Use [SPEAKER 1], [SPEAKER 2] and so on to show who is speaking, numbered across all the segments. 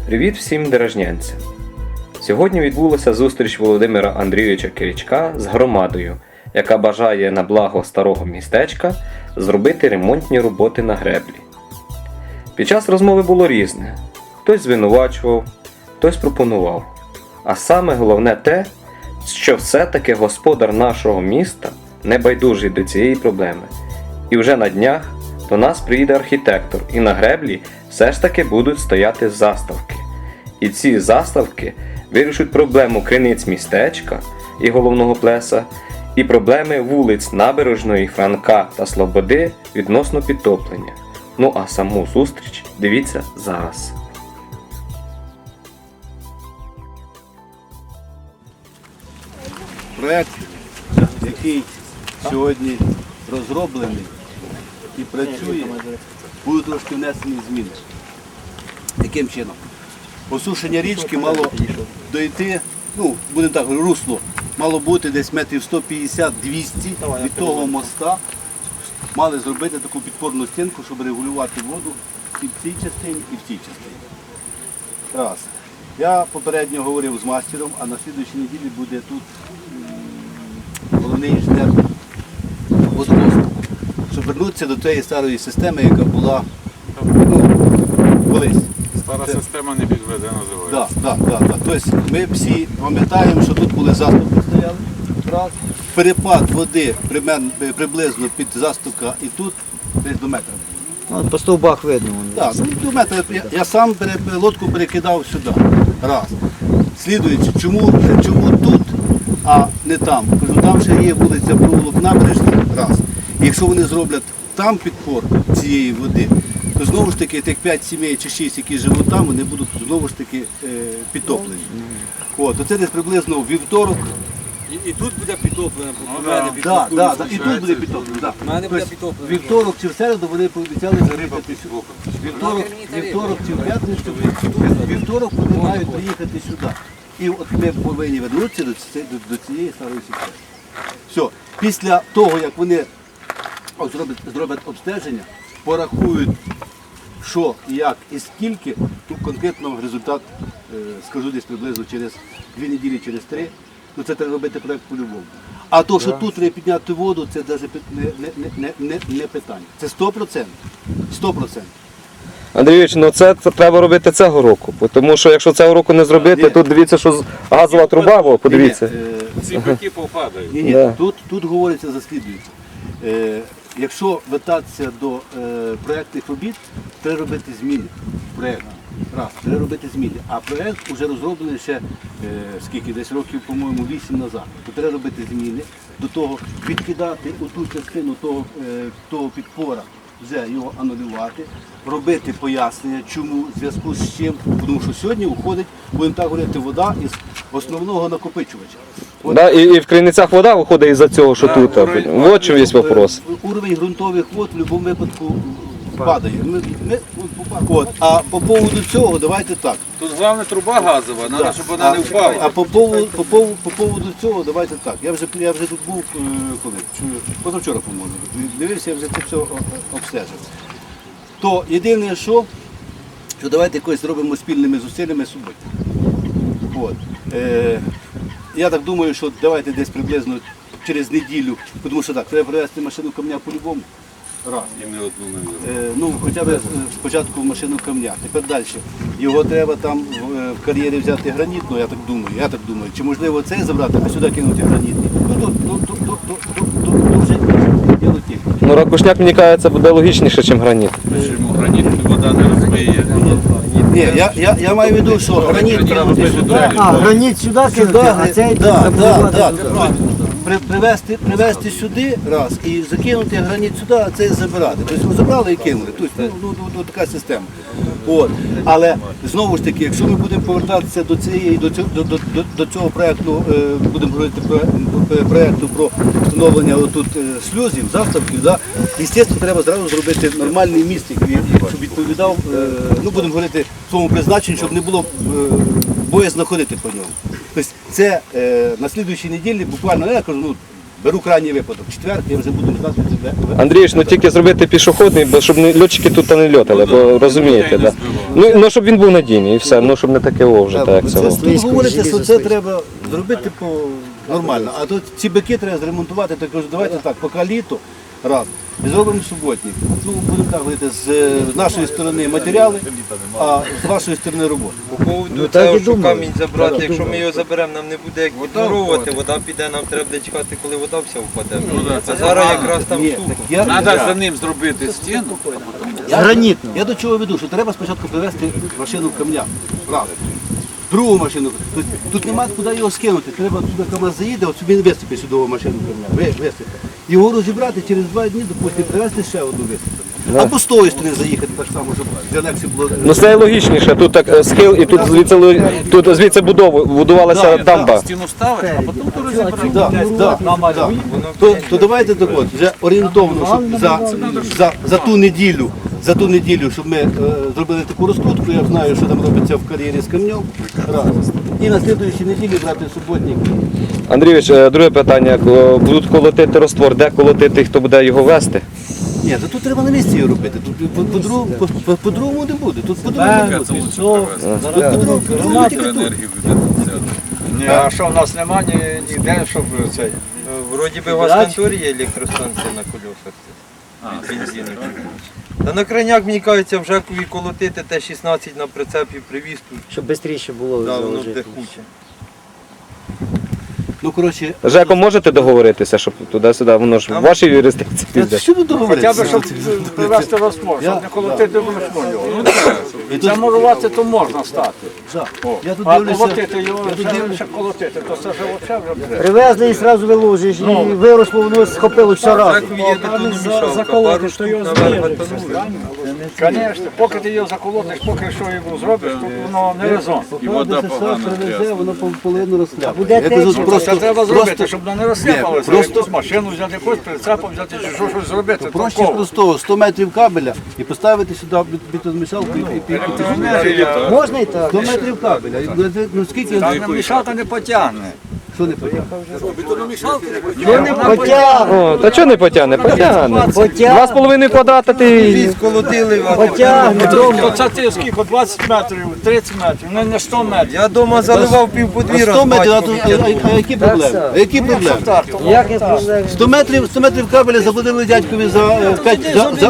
[SPEAKER 1] Привіт всім дорожнянцям! Сьогодні відбулася зустріч Володимира Андрійовича Киричка з громадою, яка бажає на благо старого містечка зробити ремонтні роботи на греблі. Під час розмови було різне. Хтось звинувачував, хтось пропонував. А саме головне те, що все-таки господар нашого міста не байдужий до цієї проблеми. І вже на днях до нас приїде архітектор, і на греблі все ж таки будуть стояти заставки. І ці заставки вирішать проблему криниць містечка і головного плеса, і проблеми вулиць Набережної, Франка та Слободи відносно підтоплення. Ну а саму зустріч дивіться зараз.
[SPEAKER 2] Проект, який сьогодні розроблений і працює, будуть трошки внесені зміни. Яким чином? Осушення річки мало дойти, будемо так, русло мало бути десь метрів 150-200 від того моста. Мали зробити таку підпорну стінку, щоб регулювати воду і в цій частині, і в цій частині. Раз. Я попередньо говорив з мастером, а на слідуючій неділі буде тут головний інженер водорозвитку, щоб вернутися до тієї старої системи, яка була колись.
[SPEAKER 3] Стара система не підведе, називається.
[SPEAKER 2] Так. Тобто ми всі пам'ятаємо, що тут були заставки стояли. Раз. Перепад води приблизно під заставка і тут десь до метра.
[SPEAKER 4] По стовбах видно.
[SPEAKER 2] Так, до метра. Я сам лодку перекидав сюди. Раз. Слідуючи, чому тут, а не там? Кажу, там ще є вулиця Провулок Набережна. Раз. І якщо вони зроблять там підпор цієї води, то знову ж таки тих 5 сімей чи 6, які живуть там, вони будуть знову ж таки підтоплені. Оце десь приблизно у вівторок.
[SPEAKER 5] І тут буде підтоплено,
[SPEAKER 2] Так, і тут буде підтоплено. Вівторок чи в середу вони пообіцяли приїхати сюди. Вівторок чи в п'ятницю, вівторок вони мають приїхати сюди. І от ми повинні вернутися до цієї старої системи. Все. Після того, як вони зроблять обстеження, порахують, що, як і скільки, тут конкретно результат скажу десь приблизно через 2 неділі, через 3. Це треба робити проєкт по-любому. А то, що тут треба підняти воду, це навіть не питання. Це 100%. 100%.
[SPEAKER 1] Андрійович, це треба робити цього року, тому що якщо цього року не зробити, тут дивіться, що газова труба, подивіться.
[SPEAKER 3] Ці боки попадають.
[SPEAKER 2] Ні, тут говориться за слідуюче. Якщо вертатися до проєктних робіт, треба робити зміни в проєкті. Треба робити зміни. А проєкт вже розроблений ще, десь років, по-моєму, 8 назад. То треба робити зміни, до того відкидати оту частину того підпора, вже його анулювати, робити пояснення, чому, в зв'язку з чим. Тому що сьогодні уходить, будемо так говорити, вода із основного накопичувача.
[SPEAKER 1] І в криницях вода виходить із-за цього, що тут. От чому є вопрос.
[SPEAKER 2] Уровень ґрунтових вод в будь-якому випадку падає. А по поводу цього, давайте так.
[SPEAKER 3] Тут головне труба газова, треба, щоб вона не впала.
[SPEAKER 2] А по поводу цього, давайте так. Я вже тут був, позавчора, по-моєму, дивився, я вже це все обстежив. То єдине, що давайте якось зробимо спільними зусиллями суботи. Я так думаю, що давайте десь приблизно через неділю, тому що так, треба привезти машину камня по-любому. Раз.
[SPEAKER 3] І не одну,
[SPEAKER 2] Хоча б спочатку машину камня. Тепер далі. Його треба там в кар'єрі взяти гранітну, я так думаю. Чи можливо цей забрати, а сюди кинути гранітний. Вже діло тільки.
[SPEAKER 1] Ракушняк, мені кажеться, буде логічніше, ніж граніт.
[SPEAKER 3] Чому граніт вода не розбиє?
[SPEAKER 2] Ні, я маю в виду, що граніт кинути сюди.
[SPEAKER 4] Граніт сюди кинути, а цей забудувати.
[SPEAKER 2] Привезти сюди раз і закинути граніт сюди, а цей забирати. Тобто забрали і кинули. Тобто, така система. Але знову ж таки, якщо ми будемо повертатися до цього проєкту, будемо говорити проєкту про встановлення шлюзів, заставків, звісно, треба зразу зробити нормальний міст, щоб відповідав, будемо говорити, своєму призначенню, щоб не було боязно ходити по ньому. Тобто це на слідуючій неділі, буквально, я кажу, беру крайній випадок. Четвер, я вже буду ждати.
[SPEAKER 1] Андрійович, ну тільки зробити пішохідний, бо щоб льотчики тут не льотали, бо розумієте, да? Ну щоб він був надійний і все, ну щоб не таке вже так як це. було.
[SPEAKER 2] Тут говорите, що це треба зробити нормально. А тут ці бики треба зремонтувати, так кажу, давайте так, поки літо, раз, і зробимо суботник. Ну, будемо так говорити, з нашої сторони матеріали, а з вашої сторони робота.
[SPEAKER 5] По поводу
[SPEAKER 4] так
[SPEAKER 5] того,
[SPEAKER 4] і
[SPEAKER 5] що
[SPEAKER 4] думаю.
[SPEAKER 5] камінь забрати, якщо ми його заберемо, нам не буде як відмуровувати, вода піде, нам треба буде чекати, коли вода вся впаде. А зараз якраз там
[SPEAKER 2] Ні,
[SPEAKER 5] сухо.
[SPEAKER 2] так
[SPEAKER 3] Треба за ним зробити стіну.
[SPEAKER 4] Гранітно.
[SPEAKER 2] Я до чого веду, що треба спочатку привезти машину камня. Раз. Другу машину. Тут немає куди його скинути. Треба туди КамАЗ заїде, от собі висипе сюди машину камня. Висипе. Його розібрати через 2 дні, допустимо, привезти ще одну висипати. Або з тої сторони заїхати так само, щоб для легше було.
[SPEAKER 1] Ну це логічніше, тут так схил і тут звідси будувалася дамба.
[SPEAKER 3] Стіну ставиш, а потім то розібрати.
[SPEAKER 2] Да. То давайте так от, вже орієнтовно, щоб за ту неділю, щоб ми зробили таку розкрутку, я знаю, що там робиться в кар'єрі з камнем. Раз. І на слідуючій неділі брати суботник.
[SPEAKER 1] Андрійович, друге питання. Будуть колотити раствор, де колотити, хто буде його вести?
[SPEAKER 2] Ні, то тут треба на місці його робити. Тут по-другому не буде. Тут по-другому не буде. По-другому тільки тут.
[SPEAKER 3] Енергію буде.
[SPEAKER 6] Ні, а що в нас нема ніде, щоб цей.
[SPEAKER 5] Вроді би в Гасконторі є електростанція на колесах від бензину. Та на крайняк, мені кажеться, в Жекові колотити Т-16 на прицепі привіз тут.
[SPEAKER 4] Щоб швидше було
[SPEAKER 5] Да, воно
[SPEAKER 4] заложити.
[SPEAKER 5] буде хуче.
[SPEAKER 2] Ну, коротше,
[SPEAKER 1] Жеко, можете договоритися, щоб туди-сюди, воно ж в вашій юрисдикції йде?
[SPEAKER 2] що тут
[SPEAKER 6] Хоча
[SPEAKER 2] договоритися?
[SPEAKER 6] б, щоб привезти розтвор, щоб не колотити вручну його. Це мурувати, то можна стати.
[SPEAKER 2] Я тут
[SPEAKER 6] А
[SPEAKER 2] дивлюся.
[SPEAKER 6] колотити його, ще колотити, то це вже взагалі вже буде.
[SPEAKER 4] Привезли і одразу виложиш, і виросло, воно схопило все
[SPEAKER 5] В
[SPEAKER 4] разом.
[SPEAKER 5] Жекові є бетономішалка, пару штук наверх бетонує.
[SPEAKER 6] Звісно, поки ти його заколотиш, поки що його зробиш, то воно не резон.
[SPEAKER 3] І вода
[SPEAKER 2] Це
[SPEAKER 3] погано
[SPEAKER 2] привезе,
[SPEAKER 3] трясне.
[SPEAKER 2] воно половину розхляпає.
[SPEAKER 4] буде
[SPEAKER 2] Я кажу,
[SPEAKER 4] течія.
[SPEAKER 6] Це треба зробити, щоб воно не розсипалося.
[SPEAKER 2] просто-
[SPEAKER 6] Просто машину взяти, якусь прицепом взяти, чи щось зробити.
[SPEAKER 2] Проще
[SPEAKER 6] толково.
[SPEAKER 2] простого, 100 метрів кабеля і поставити сюди бетономішалку і
[SPEAKER 6] Електроенергія.
[SPEAKER 4] Можна і так.
[SPEAKER 2] 100 метрів кабеля. Ну скільки,
[SPEAKER 6] Та мішалка не потягне.
[SPEAKER 2] що не потягне?
[SPEAKER 1] О, та чого не потягне? Потягне.
[SPEAKER 4] Потягне.
[SPEAKER 1] 2,5 квадрата ти...
[SPEAKER 5] Сколотили,
[SPEAKER 4] Потягне.
[SPEAKER 6] То це ти скільки, 20 метрів, 30 метрів, не 100 метрів.
[SPEAKER 5] я вдома заливав пів подвір'я.
[SPEAKER 2] 100 метрів, а які проблеми? А які проблеми?
[SPEAKER 4] Як не проблема?
[SPEAKER 2] 100 метрів кабеля заплатили дядькові за 5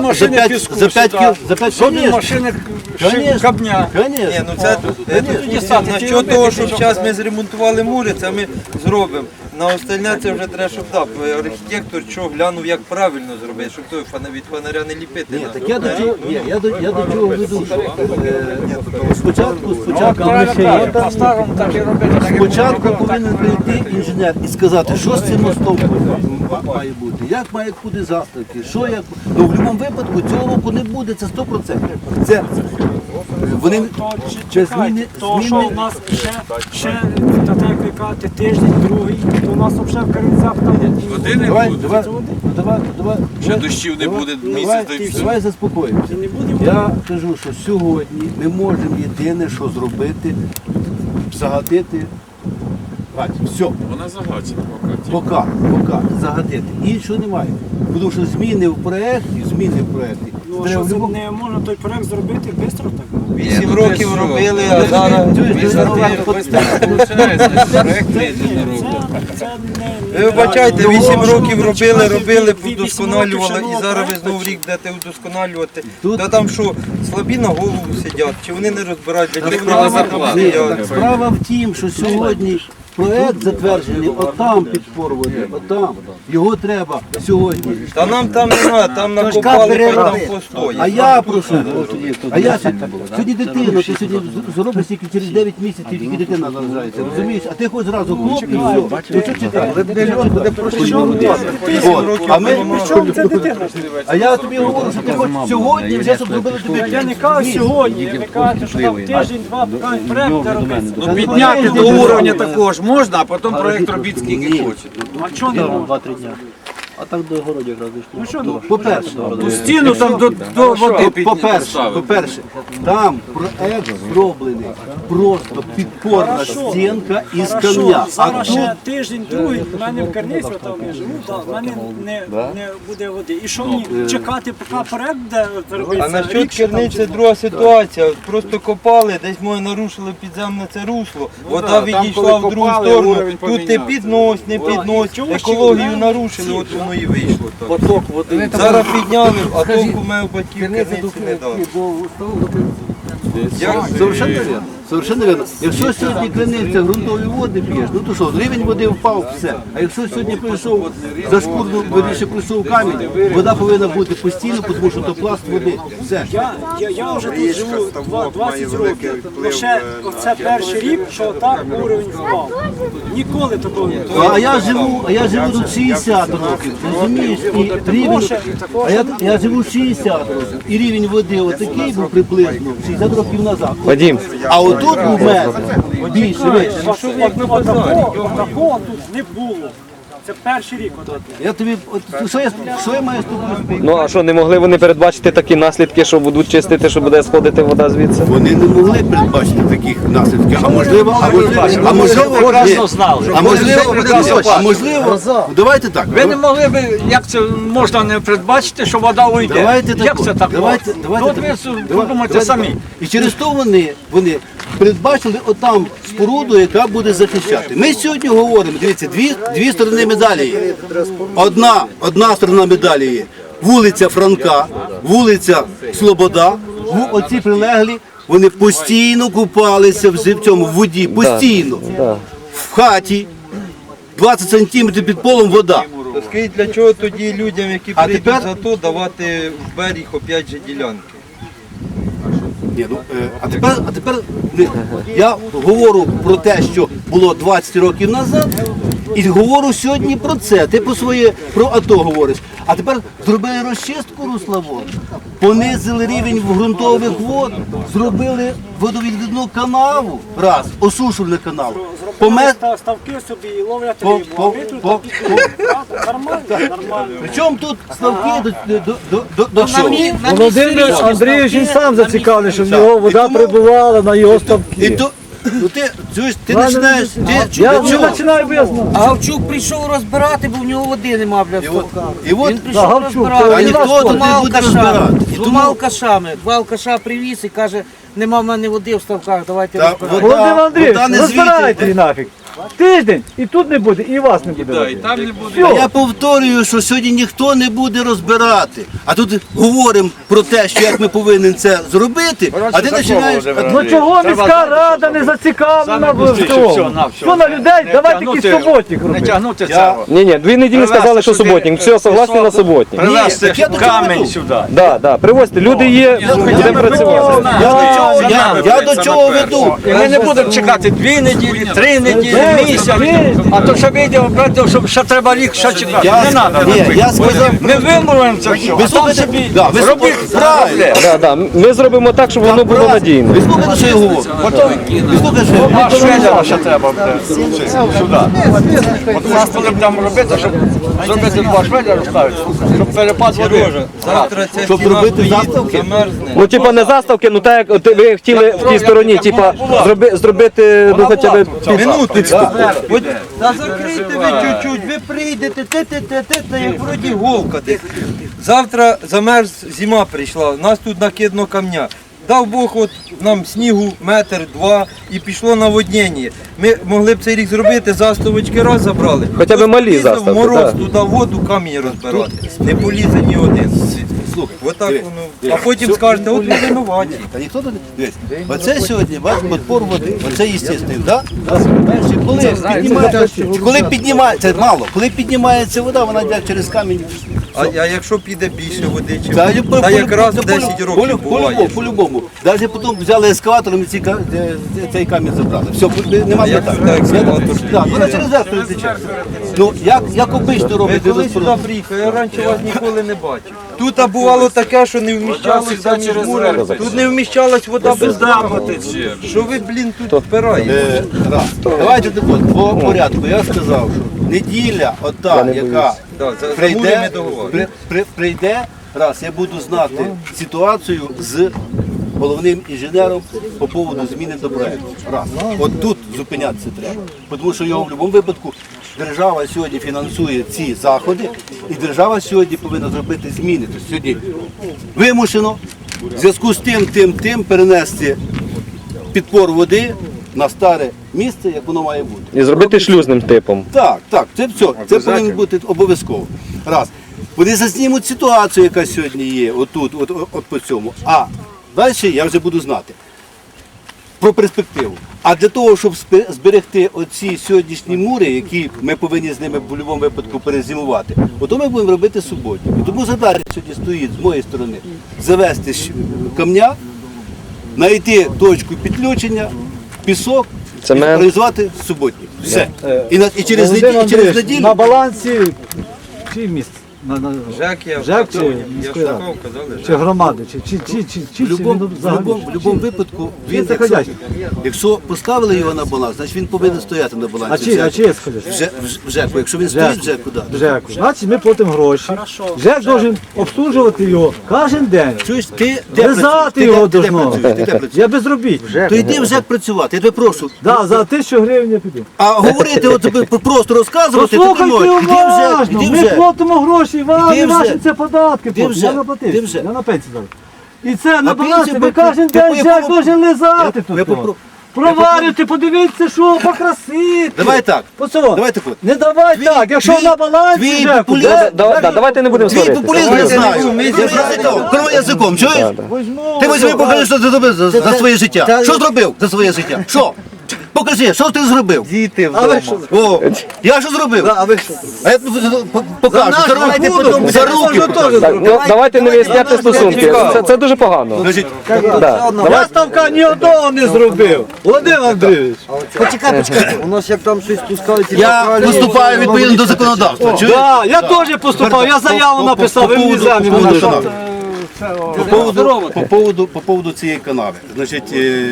[SPEAKER 6] Жодної машини кабня.
[SPEAKER 5] Ні, ну це насчет того, щоб зараз ми зремонтували мури, це ми зробимо. На остальне це вже треба, щоб архітектор що глянув, як правильно зробити, щоб той від фонаря не ліпити.
[SPEAKER 2] Ні, так я до чого веду, що спочатку
[SPEAKER 6] По-старому так і робити. так і
[SPEAKER 2] Спочатку
[SPEAKER 6] було.
[SPEAKER 2] повинен прийти інженер і сказати, що з цим мостом має бути, як мають бути заставки, що як. Ну в будь-якому випадку цього року не буде, це 100%. Це вони зміни.
[SPEAKER 7] То, що в нас ще та так як ви кажете, тиждень, другий, то у нас взагалі в Каринцях там
[SPEAKER 3] Води не
[SPEAKER 2] Давай,
[SPEAKER 3] буде.
[SPEAKER 2] давай.
[SPEAKER 3] Ще дощів не буде місяць, та й все.
[SPEAKER 2] Давай заспокоїмося. Я кажу, що сьогодні ми можемо єдине, що зробити, загатити. Все.
[SPEAKER 3] Вона загачена поки.
[SPEAKER 2] Поки загатити. Іншого немає. Тому що зміни в проєкті.
[SPEAKER 7] Ну, а що це не можна той проект зробити швидко так?
[SPEAKER 5] 8 років робили, а зараз
[SPEAKER 3] Проект медленно робить.
[SPEAKER 7] Це
[SPEAKER 5] ви вибачайте, 8 років робили, удосконалювали, і зараз ви знову рік будете удосконалювати. Та там що, слабі на голову сидять, чи вони не розбирають, для чого вони там сидять?
[SPEAKER 2] Справа в тім, що сьогодні проєкт затверджений отам під Порводі, отам. Його треба сьогодні.
[SPEAKER 5] Та нам там не треба, там накопали, хай там постоїть.
[SPEAKER 2] А я прошу, сьогодні дитину, ти сьогодні зробиш тільки через 9 місяців, тільки дитина народжається, розумієш? А ти хоч зразу хлоп і все. Ну що чекаєш? А я тобі говорю, що ти хоч сьогодні вже, щоб зробили тобі.
[SPEAKER 7] я не кажу сьогодні, ви кажете, що там тиждень-два, поки проект не робиться.
[SPEAKER 3] Ну підняти до уровня такого ж можна, а потім проект робіть скільки хочете.
[SPEAKER 7] А чого не можна?
[SPEAKER 2] 2-3 дня. А так до городі якраз
[SPEAKER 7] Ну що, ну,
[SPEAKER 2] По-перше,
[SPEAKER 3] Ту стіну там до води
[SPEAKER 2] по-перше, там проект зроблений просто підпорна стінка із
[SPEAKER 7] Хорошо,
[SPEAKER 2] камня. А
[SPEAKER 7] зараз
[SPEAKER 2] тут
[SPEAKER 7] ще тиждень, другий, в мене в Карниці, там я живу, в мене не буде води. І що мені чекати, поки проект буде робитися?
[SPEAKER 5] А насчет
[SPEAKER 7] рік ще там
[SPEAKER 5] керниці
[SPEAKER 7] чи
[SPEAKER 5] друга ситуація. Просто копали, десь ми нарушили підземне це русло, вода
[SPEAKER 6] там,
[SPEAKER 5] відійшла
[SPEAKER 6] коли
[SPEAKER 5] в другу
[SPEAKER 6] копали,
[SPEAKER 5] сторону.
[SPEAKER 6] уровень
[SPEAKER 5] Тут не
[SPEAKER 6] помінявся.
[SPEAKER 5] піднось, не піднось. Екологію нарушили, от воно і вийшло так.
[SPEAKER 2] поток води.
[SPEAKER 5] Зараз підняли, а толку в мене у батьків керниці не дали.
[SPEAKER 2] Совершенно вірно. Совершенно вірно. Якщо сьогодні криниця ґрунтові води п'єш, ну то що, рівень води впав, все. А якщо сьогодні прийшов за шкурну, виріши прийшов камінь, вода повинна бути постійно, тому що то пласт води. Все.
[SPEAKER 7] Я вже тут живу 20 років. Лише оце перший рік, що так уровень впав. Ніколи такого не було.
[SPEAKER 2] А я живу тут 60 років, розумієш? І рівень, я живу 60 років, і рівень води отакий був приблизно 60 років назад.
[SPEAKER 1] Вадим,
[SPEAKER 2] А отут у мене більше, вище.
[SPEAKER 7] Такого тут не було. Це перший рік.
[SPEAKER 2] Я тобі, що я маю з тобою спорити?
[SPEAKER 1] ну а що, не могли вони передбачити такі наслідки, що будуть чистити, що буде сходити вода звідси?
[SPEAKER 2] Вони не могли передбачити таких наслідків, а можливо, давайте так.
[SPEAKER 6] Ви не могли б, як це можна не передбачити, що вода уйде?
[SPEAKER 2] Давайте
[SPEAKER 6] Як це так?
[SPEAKER 2] давайте
[SPEAKER 6] От ви подумайте самі.
[SPEAKER 2] І через то вони передбачили отам споруду, яка буде захищати. Ми сьогодні говоримо, дивіться, дві сторони медалі є. Одна сторона медалі є вулиця Франка, вулиця Слобода, оці прилеглі, вони постійно купалися в цьому в воді, постійно. В хаті 20 сантиметрів під полом вода.
[SPEAKER 5] То скажіть, для чого тоді людям, які
[SPEAKER 2] А
[SPEAKER 5] прийдуть
[SPEAKER 2] тепер-
[SPEAKER 5] за то, давати в берег опять же ділянки?
[SPEAKER 2] Ні, ну, а тепер я говорю про те, що було 20 років назад, і говорю сьогодні про це. Ти про АТО говориш. А тепер зробили розчистку русла вод, понизили рівень ґрунтових вод, зробили водовідвідну канаву, раз, осушувальну канаву.
[SPEAKER 7] Ставки собі і ловлять рибу. А ви тут нормально.
[SPEAKER 2] Причому тут ставки до чого?
[SPEAKER 4] Володимир Андрійович він сам зацікавлений, щоб його вода
[SPEAKER 2] тому-
[SPEAKER 4] прибувала на його
[SPEAKER 2] І
[SPEAKER 4] ставки.
[SPEAKER 2] то, ну ти починаєш,
[SPEAKER 4] Я не починаю, бо я знаю.
[SPEAKER 8] А Гавчук прийшов розбирати, бо в нього води нема, бля, в ставках.
[SPEAKER 2] і от,
[SPEAKER 8] Він прийшов
[SPEAKER 4] Гавчук,
[SPEAKER 8] розбирати.
[SPEAKER 2] а ніхто тут не буде розбирати. І
[SPEAKER 8] З двома
[SPEAKER 2] тому-
[SPEAKER 8] алкашами. Два алкаша привіз і каже, нема в мене води в ставках, давайте
[SPEAKER 2] Та
[SPEAKER 8] розбирати.
[SPEAKER 4] Володимир
[SPEAKER 2] вода
[SPEAKER 4] Андрійович,
[SPEAKER 2] не
[SPEAKER 4] розбирайте
[SPEAKER 2] звідти.
[SPEAKER 4] її нафіг. Тиждень, і тут не буде, і вас не буде. води.
[SPEAKER 2] Я повторюю, що сьогодні ніхто не буде розбирати. А тут говоримо про те, що як ми повинні це зробити, а ти починаєш.
[SPEAKER 4] Ну чого міська рада не зацікавлена в цьому? Що на людей? Давайте якийсь суботник
[SPEAKER 6] Не
[SPEAKER 4] робити.
[SPEAKER 6] тягнути цього.
[SPEAKER 1] Ні, 2 неділі сказали, що суботник. Все, согласні на суботник.
[SPEAKER 6] Привезти
[SPEAKER 2] так я до
[SPEAKER 6] камінь
[SPEAKER 2] чого
[SPEAKER 6] сюди.
[SPEAKER 1] Да, привозьте, люди є, будемо працювати.
[SPEAKER 2] Я до чого веду?
[SPEAKER 6] І ми не будемо чекати 2 неділі, 3 неділі, місяць. А то ще вийде, що ще треба рік ще чекати. Не треба.
[SPEAKER 2] Я сказав,
[SPEAKER 6] Ми вимовимо це все.
[SPEAKER 2] ви
[SPEAKER 6] А там
[SPEAKER 2] слухайте,
[SPEAKER 6] собі
[SPEAKER 2] да, ви
[SPEAKER 6] робіть
[SPEAKER 2] слухайте, правильно.
[SPEAKER 1] Да, ми зробимо так, щоб воно було надійно.
[SPEAKER 2] Ви слухайте, що я говорю. Ви слухайте, що я говорю.
[SPEAKER 6] А шведера ще треба буде сюди. От у нас коли будемо робити, щоб зробити 2 шведера ставити, щоб перепад води.
[SPEAKER 5] Сережа, завтра ця
[SPEAKER 2] Щоб
[SPEAKER 5] стіна
[SPEAKER 2] робити
[SPEAKER 5] стоїть,
[SPEAKER 2] заставки?
[SPEAKER 5] замерзне.
[SPEAKER 1] Ну, типа не заставки, ну так як ви хотіли в тій стороні, типа зробити, ну хоча б
[SPEAKER 5] Минуточку. От, та закрийте ви чуть-чуть, ви прийдете, те, як вроді голка. Завтра замерз, зима прийшла, у нас тут накидно камня. Дав Бог от нам снігу метр, 2 і пішло наводнення. Ми могли б цей рік зробити, заставочки раз забрали.
[SPEAKER 1] Хоча б малі
[SPEAKER 5] Полізе в
[SPEAKER 1] заставки,
[SPEAKER 5] мороз
[SPEAKER 1] так.
[SPEAKER 5] туди воду, камінь розбирати. Не полізе ні один. Отак воно. А потім скажете, от ми винуваті.
[SPEAKER 2] Та ніхто тут не дивись. Оце сьогодні ваш подпор води. Оце естественно, так? Коли піднімається, це мало, коли піднімається вода, вона йде через камінь.
[SPEAKER 5] А якщо піде більше води, чи
[SPEAKER 2] Та
[SPEAKER 5] якраз 10 років буває.
[SPEAKER 2] По-любому. Навіть потім взяли ескаватором і цей камінь забрали. Все, нема
[SPEAKER 5] як
[SPEAKER 2] питань.
[SPEAKER 5] сюди ескаватор
[SPEAKER 2] Так, вона через завтра тече. Ну, як обично
[SPEAKER 5] Ви
[SPEAKER 2] робити
[SPEAKER 5] коли сюди приїхали, я раніше вас ніколи не бачив. Тут бувало таке, що не вміщалося між мурами. Тут не вміщалась вода без даху. Що ви, блін, тут впираєте?
[SPEAKER 2] Давайте так от, по порядку. Я сказав, що неділя, ота, яка
[SPEAKER 5] Да, за мури ми договорилися.
[SPEAKER 2] прийде, раз, я буду знати ситуацію з головним інженером по поводу зміни до проекту. Раз. От тут зупинятися треба. Тому що його в будь-якому випадку держава сьогодні фінансує ці заходи, і держава сьогодні повинна зробити зміни. Тобто сьогодні вимушено в зв'язку з тим перенести підпор води на старе місце, як воно має бути.
[SPEAKER 1] І зробити шлюзним типом.
[SPEAKER 2] Так, це все. Це повинно бути обов'язково. Раз. Вони зазнімуть ситуацію, яка сьогодні є, отут, от по цьому. А далі я вже буду знати про перспективу. А для того, щоб зберегти оці сьогоднішні мури, які ми повинні з ними в будь-якому випадку перезимувати, ото ми будемо робити суботні. І тому задача сьогодні стоїть з моєї сторони завести камня, знайти точку підключення, пісок, і
[SPEAKER 1] Цемент.
[SPEAKER 2] реалізувати суботні. Все. І через
[SPEAKER 4] Володимир Андрійович,
[SPEAKER 2] неділю.
[SPEAKER 4] на балансі чий міст?
[SPEAKER 5] Жек я
[SPEAKER 4] Жек чи
[SPEAKER 5] я
[SPEAKER 4] міської ради?
[SPEAKER 5] шукав, казали,
[SPEAKER 4] Чи громади? Чи
[SPEAKER 2] В будь-якому випадку він,
[SPEAKER 4] Це ходячий.
[SPEAKER 2] якщо поставили його на баланс, значить він повинен стояти на балансі.
[SPEAKER 4] А чи є сходять?
[SPEAKER 2] В ЖЕКу. Якщо він стоїть в ЖЕКу, так.
[SPEAKER 4] ЖЕКу. Значить, ми платимо гроші. ЖЕК должен обслужувати його кожен день.
[SPEAKER 2] Чуєш, ти де
[SPEAKER 4] Вязати його
[SPEAKER 2] де
[SPEAKER 4] должно.
[SPEAKER 2] працюєш? Ти де працюєш?
[SPEAKER 4] Я безробітний.
[SPEAKER 2] То йди в ЖЕК працювати, я тебе прошу.
[SPEAKER 4] Да, за 1000 гривень я піду.
[SPEAKER 2] А говорити, от тобі просто розказувати, то ти
[SPEAKER 4] Послухайте
[SPEAKER 2] можеш. Іди в ЖЕК,
[SPEAKER 4] уважно,
[SPEAKER 2] іди в
[SPEAKER 4] ми
[SPEAKER 2] ЖЕК.
[SPEAKER 4] платимо гроші, вам
[SPEAKER 2] Іди
[SPEAKER 4] і
[SPEAKER 2] в
[SPEAKER 4] ваші
[SPEAKER 2] ЖЕК.
[SPEAKER 4] це податки.
[SPEAKER 2] Іди в
[SPEAKER 4] платять.
[SPEAKER 2] ЖЕК.
[SPEAKER 4] Я наплатив,
[SPEAKER 2] Іди в ЖЕК.
[SPEAKER 4] я на пенсію зараз. І це на балансі,
[SPEAKER 2] пенсію
[SPEAKER 4] ви кожен
[SPEAKER 2] ти
[SPEAKER 4] день ЖЕК
[SPEAKER 2] попро-
[SPEAKER 4] должен лизати
[SPEAKER 2] я
[SPEAKER 4] тут.
[SPEAKER 2] попро-
[SPEAKER 4] Проварюйте, подивіться, що покрасити.
[SPEAKER 2] Давай так.
[SPEAKER 4] Пацан,
[SPEAKER 2] Давай так от.
[SPEAKER 4] не давай так, якщо
[SPEAKER 2] твій-
[SPEAKER 4] на балансі
[SPEAKER 2] твій
[SPEAKER 4] ЖЕКу,
[SPEAKER 2] популізм-
[SPEAKER 4] де-
[SPEAKER 1] Давайте не будемо
[SPEAKER 2] Твій
[SPEAKER 1] сваритися.
[SPEAKER 2] популізм я знаю. Я знаю. Кроме язиком, чуєш? Ти візьми, покажи, що ти зробив за своє життя. Що зробив за своє життя? Що? Покажи, що ти зробив?
[SPEAKER 8] Діти
[SPEAKER 4] А ви що?
[SPEAKER 2] О, я що зробив?
[SPEAKER 4] А ви що?
[SPEAKER 2] А я покажу. За руки.
[SPEAKER 1] Так, ну, давайте не виясняти стосунки. Це дуже погано.
[SPEAKER 2] Значить,
[SPEAKER 1] Да.
[SPEAKER 4] Я ставка ні одного не зробив. Володимир Андрійович.
[SPEAKER 8] Почекай. У нас як там щось пускають.
[SPEAKER 2] я виступаю відповідно до законодавства. Чуєш?
[SPEAKER 4] Да, я теж поступав, я заяву написав, ви мені землю
[SPEAKER 2] по поводу
[SPEAKER 4] надали.
[SPEAKER 2] канави. По поводу цієї канави. Значить,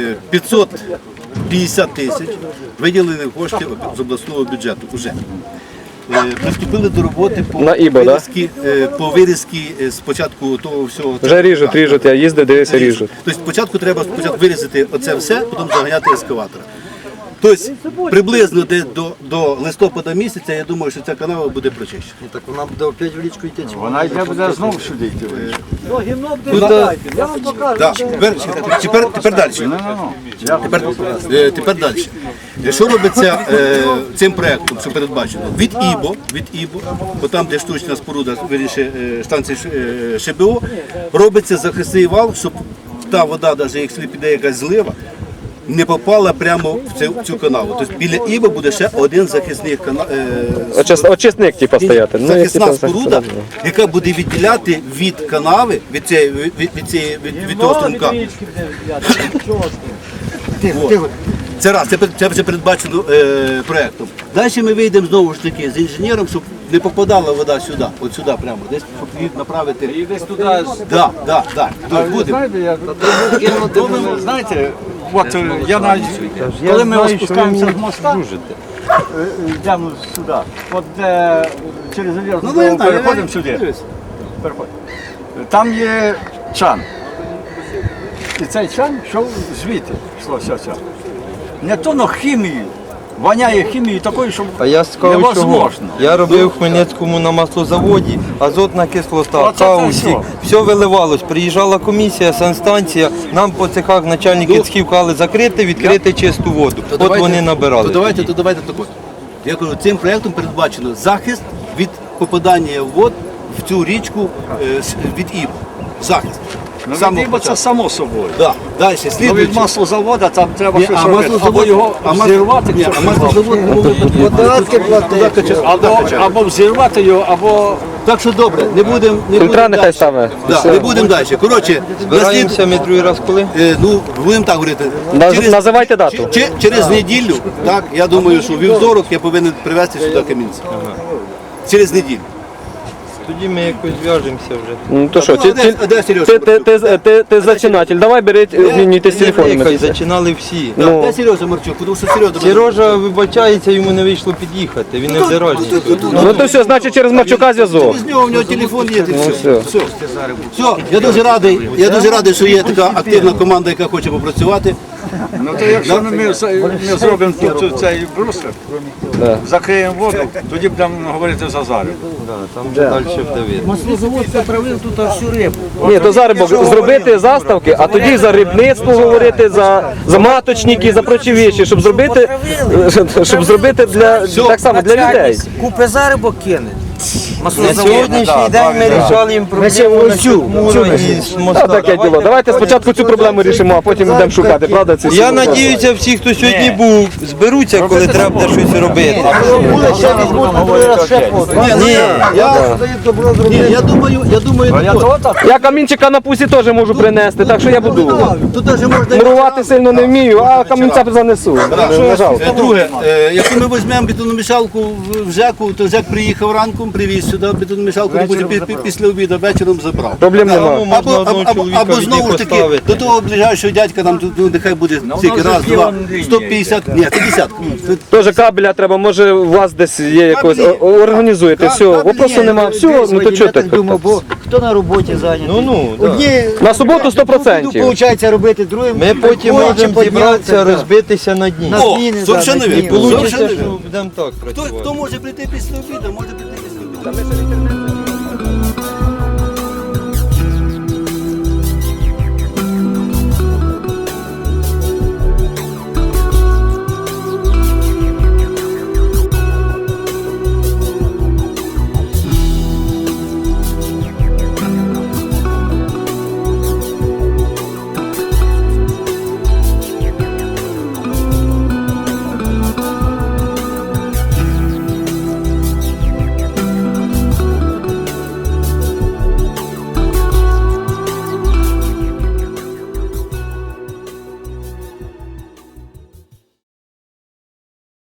[SPEAKER 2] 550 тисяч виділені кошти з обласного бюджету уже. Приступили до роботи по
[SPEAKER 1] На ІБО, да?
[SPEAKER 2] вирізки спочатку того всього.
[SPEAKER 1] Вже ріжуть, я їздив, дивився, ріжуть.
[SPEAKER 2] Тобто спочатку треба вирізати оце все, потім заганяти ескаватора. Тобто приблизно десь до листопада місяця, я думаю, що ця канава буде прочищена.
[SPEAKER 8] Так вона буде опять в річку йти.
[SPEAKER 6] Вона йде буде знову сюди йти.
[SPEAKER 4] Ну, гімно буде гадайте, я вам покажу.
[SPEAKER 2] Да. Тепер далі. Тепер далі. Що робиться цим проєктом, що передбачено? Від ІБО, бо там, де штучна споруда, виріше станції ШБО, робиться захисний вал, щоб та вода, навіть якщо піде якась злива, не попала прямо в цю канаву. Тобто біля ІБО буде ще один захисний канал.
[SPEAKER 1] Очисник, типу, стояти. Ну, якщо
[SPEAKER 2] Захисна
[SPEAKER 1] там
[SPEAKER 2] споруда, яка буде відділяти від канави, від того струмка. От. Це раз, це вже передбачено проєктом. Далі ми вийдемо знову ж таки з інженером, щоб не попадала вода сюди, от сюди прямо, десь щоб її направити.
[SPEAKER 3] І десь туди
[SPEAKER 2] Да. Тут будемо.
[SPEAKER 6] Знаєте, от я навіть, коли ми спускаємося з моста, йдемо сюди, от де через залізну дорогу переходимо сюди. Переходимо. Там є чан. І цей чан йшов звідти, йшло все. Не то, но хімії. Воняє хімією такою, що
[SPEAKER 5] А я скажу, чого.
[SPEAKER 6] невозможно.
[SPEAKER 5] Я робив в Хмельницькому на маслозаводі, азотна кислота,
[SPEAKER 6] Оце це
[SPEAKER 5] каустик, все виливалось. Приїжджала комісія, санстанція, нам по цехах начальники цехів казали закрити, відкрити чисту воду. От вони набирали.
[SPEAKER 2] То давайте так от. Я кажу, цим проєктом передбачено захист від попадання вод в цю річку від ІБО. Захист.
[SPEAKER 6] Ну,
[SPEAKER 2] Самого
[SPEAKER 6] відібо це
[SPEAKER 2] початку.
[SPEAKER 6] само собою.
[SPEAKER 2] Да. Далі,
[SPEAKER 6] Ну, від
[SPEAKER 2] слідуючи.
[SPEAKER 6] маслозавода там треба
[SPEAKER 2] Ні,
[SPEAKER 6] щось
[SPEAKER 2] а
[SPEAKER 6] робити.
[SPEAKER 2] маслозавод-
[SPEAKER 6] Або його
[SPEAKER 2] а мас-
[SPEAKER 6] взірвати,
[SPEAKER 2] Ні,
[SPEAKER 6] щоб
[SPEAKER 2] а маслозавод
[SPEAKER 8] Податки платити.
[SPEAKER 6] або взірвати його, або
[SPEAKER 2] Так що добре, не будемо.
[SPEAKER 1] Фільтра нехай ставить.
[SPEAKER 2] Не будемо далі. Коротше,
[SPEAKER 5] Збираємося ми другий раз коли?
[SPEAKER 2] ну, будемо так говорити.
[SPEAKER 1] Називайте дату.
[SPEAKER 2] Через неділю, так, я думаю, що вівторок я повинен привезти сюди камінця. Через неділю.
[SPEAKER 5] тоді ми якось зв'яжемося вже.
[SPEAKER 1] Ну то що,
[SPEAKER 2] А де Сережа?
[SPEAKER 1] ти зачинатель, давай беріть, обмінюйтесь телефонами.
[SPEAKER 5] Нехай зачинали всі.
[SPEAKER 1] Ну.
[SPEAKER 2] Де Сережа Марчук? Тому що Сережа...
[SPEAKER 5] Сережа вибачається, йому не вийшло під'їхати, він не в дорозі.
[SPEAKER 1] Ну то все, значить через Марчука зв'язок.
[SPEAKER 2] З нього в нього телефон є.
[SPEAKER 1] все.
[SPEAKER 2] Все, я дуже радий, що є така активна команда, яка хоче попрацювати.
[SPEAKER 6] Ну то якщо ми зробимо тут цей брусер, закриємо воду, тоді будемо говорити за Зарю.
[SPEAKER 5] Там вже далі буде видно.
[SPEAKER 8] Маслозавод потравив тут всю рибу.
[SPEAKER 1] Ні, то зараз зробити заставки, а тоді за рибництво говорити, за маточники, за прочі віші, щоб зробити для так само для людей.
[SPEAKER 8] Купи зарибок кине.
[SPEAKER 5] На сьогоднішній день ми рішали їм проблему насчет Мура і з
[SPEAKER 1] Та
[SPEAKER 5] моста.
[SPEAKER 1] таке діло. Давайте спочатку цю проблему рішимо, а потім йдемо шукати, правда? Ці
[SPEAKER 5] Я надіюся, всі, хто сьогодні був, зберуться, коли треба буде щось робити.
[SPEAKER 2] Я думаю,
[SPEAKER 1] Я камінчика на пусі теж можу принести, так що я буду.
[SPEAKER 2] тут навіть можна...
[SPEAKER 1] Мурувати сильно не вмію, а камінця занесу. Не жалко.
[SPEAKER 2] Друге, якщо ми візьмемо бетономішалку в ЖЕКу, то ЖЕК приїхав ранком, привіз сюди бетономішалку, потім після обіду вечором забрав.
[SPEAKER 1] Проблем
[SPEAKER 5] Тому
[SPEAKER 1] немає.
[SPEAKER 5] можна одного чоловіка
[SPEAKER 2] Або знову ж таки,
[SPEAKER 5] поставити.
[SPEAKER 2] до того ближайшого дядька нам тут, ну, нехай буде скільки, раз, два, 150, ні, 50.
[SPEAKER 1] Теж кабеля треба, може у вас десь є якось, організуєте, все, вопросу нема, все, ну то чого так?
[SPEAKER 7] бо хто на роботі зайнятий?
[SPEAKER 5] Ну,
[SPEAKER 7] Одні
[SPEAKER 1] На суботу 100%.
[SPEAKER 7] виходить робити, другим
[SPEAKER 5] ми потім можемо зібратися, розбитися на дні.
[SPEAKER 2] О, совершенно вірно.
[SPEAKER 5] Получиться,
[SPEAKER 2] Совершенно
[SPEAKER 5] що
[SPEAKER 2] вірно.
[SPEAKER 5] будемо так
[SPEAKER 2] Хто
[SPEAKER 5] працювати.
[SPEAKER 2] може прийти після обіду, може прийти після обіду.